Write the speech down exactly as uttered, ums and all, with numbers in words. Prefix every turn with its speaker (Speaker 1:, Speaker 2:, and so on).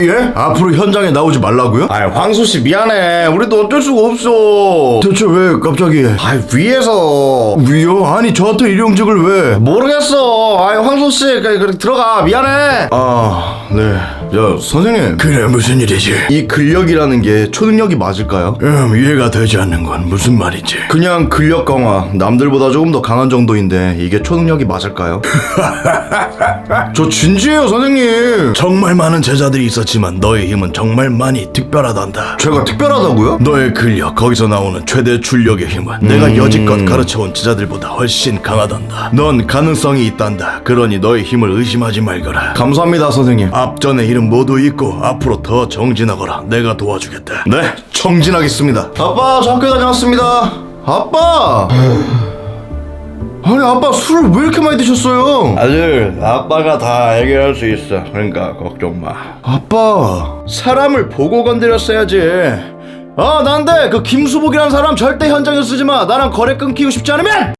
Speaker 1: 예? 앞으로 현장에 나오지 말라고요?
Speaker 2: 아이 황소씨 미안해. 우리도 어쩔 수가 없어.
Speaker 1: 대체 왜 갑자기?
Speaker 2: 아이 위에서.
Speaker 1: 위요? 아니 저한테 일용직을 왜?
Speaker 2: 모르겠어. 아이 황소씨 그래, 그래 들어가. 미안해.
Speaker 1: 아, 네. 저 선생님. 그래, 무슨 일이지?
Speaker 2: 이 근력이라는 게 초능력이 맞을까요?
Speaker 1: 음, 이해가 되지 않는 건 무슨 말이지?
Speaker 2: 그냥 근력 강화, 남들보다 조금 더 강한 정도인데 이게 초능력이 맞을까요? 저 진지해요 선생님.
Speaker 1: 정말 많은 제자들이 있었지만 너의 힘은 정말 많이 특별하단다.
Speaker 2: 제가 특별하다고요?
Speaker 1: 너의 근력, 거기서 나오는 최대 출력의 힘은 내가 여지껏 가르쳐온 제자들보다 훨씬 강하단다. 넌 가능성이 있단다. 그러니 너의 힘을 의심하지 말거라.
Speaker 2: 감사합니다 선생님.
Speaker 1: 앞전의 일은 모두 잊고 앞으로 더 정진하거라. 내가 도와주겠다.
Speaker 2: 네, 정진하겠습니다. 아빠, 저 학교 다녀왔습니다. 아빠! 아니, 아빠 술을 왜 이렇게 많이 드셨어요?
Speaker 1: 아들, 아빠가 다 해결할 수 있어. 그러니까 걱정 마.
Speaker 2: 아빠, 사람을 보고 건드렸어야지. 아, 난데 그 김수복이라는 사람 절대 현장에 쓰지 마. 나랑 거래 끊기고 싶지 않으면!